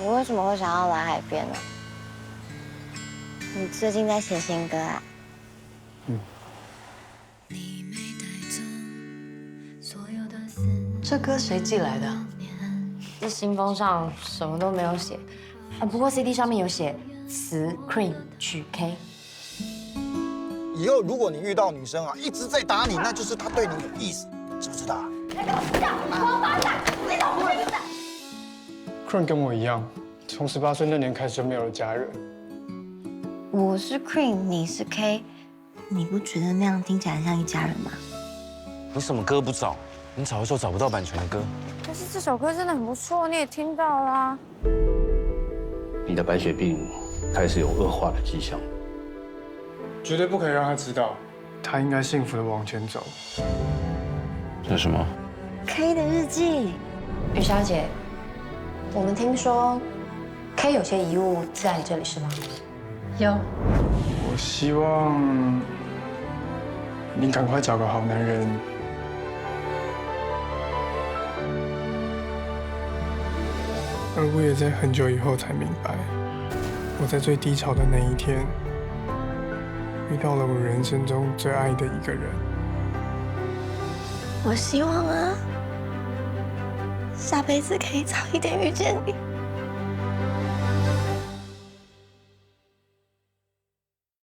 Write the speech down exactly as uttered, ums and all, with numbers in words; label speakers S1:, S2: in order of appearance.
S1: 你为什么会想要来海边呢？你最近在写新歌啊？
S2: 嗯。
S3: 这歌谁寄来的？
S4: 这信封上什么都没有写，啊，不过 C D 上面有写词 Cream 曲 K。
S5: 以后如果你遇到女生啊，一直在打你，那就是她对你有意思，知不知道？
S6: 那个不要，王八蛋，你怎么不会的
S2: Cream 跟我一样，从十八岁那年开始就没有了家人。
S1: 我是 Cream， 你是 K， 你不觉得那样听起来像一家人吗？
S7: 你什么歌不找？你找一首找不到版权的歌。
S1: 但是这首歌真的很不错，你也听到啦。
S8: 你的白血病开始有恶化的迹象，
S2: 绝对不可以让他知道，他应该幸福的往前走。
S8: 这是什么
S1: K 的日记。
S4: 雨小姐，我们听说 K 有些遗物在你这里是吗？
S3: 有。
S2: 我希望你赶快找个好男人。而我也在很久以后才明白，我在最低潮的那一天，遇到了我人生中最爱的一个人。
S1: 我希望啊，下辈子可以早一点遇见你。